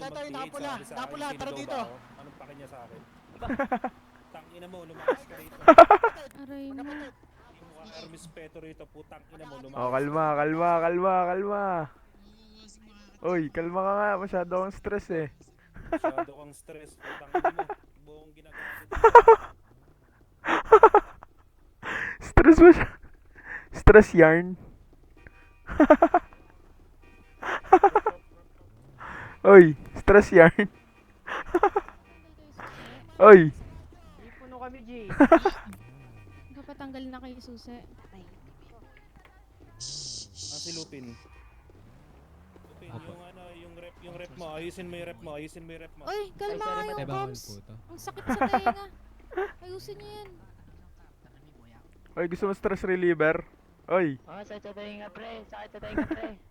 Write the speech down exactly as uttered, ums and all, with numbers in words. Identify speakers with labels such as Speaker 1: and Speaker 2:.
Speaker 1: ito,
Speaker 2: mag-create
Speaker 1: nakapula,
Speaker 2: sabi sa akin,
Speaker 1: nakapula,
Speaker 2: sino
Speaker 1: tara
Speaker 2: daw
Speaker 1: dito.
Speaker 2: ba ako? Anong pake niya sa akin? Tangina mo, lumakas ka rito.
Speaker 3: Aray na.
Speaker 2: Yung mukha Hermes Peto rito, putang ina mo, lumakas
Speaker 4: Oh,
Speaker 2: ka.
Speaker 4: kalma, kalma, kalma, kalma. Uy, kalma ka nga. Masyado akong stress eh.
Speaker 2: Masyado kang stress, putang ina mo. Buong ginagawa dito.
Speaker 4: Stress mo siya. Stress yarn. Uy, stress yarn. Uy.
Speaker 5: Puno kami, G.
Speaker 3: Kapatanggal na kayo susi.
Speaker 2: Ah, si Lupin. Lupin, yung ano, yung rep, yung rep mo, ayusin mo yung rep mo, ayusin mo yung rep mo.
Speaker 3: Uy, kalma
Speaker 5: sorry,
Speaker 3: kayo,
Speaker 5: mate,
Speaker 3: Poms. Ang sakit sa tenga. Ayusin niyo yan.
Speaker 4: Uy, gusto mo stress reliever? Uy.
Speaker 5: Oh, sakit sa tayo nga, pre. Sakit sa tayo nga, pre.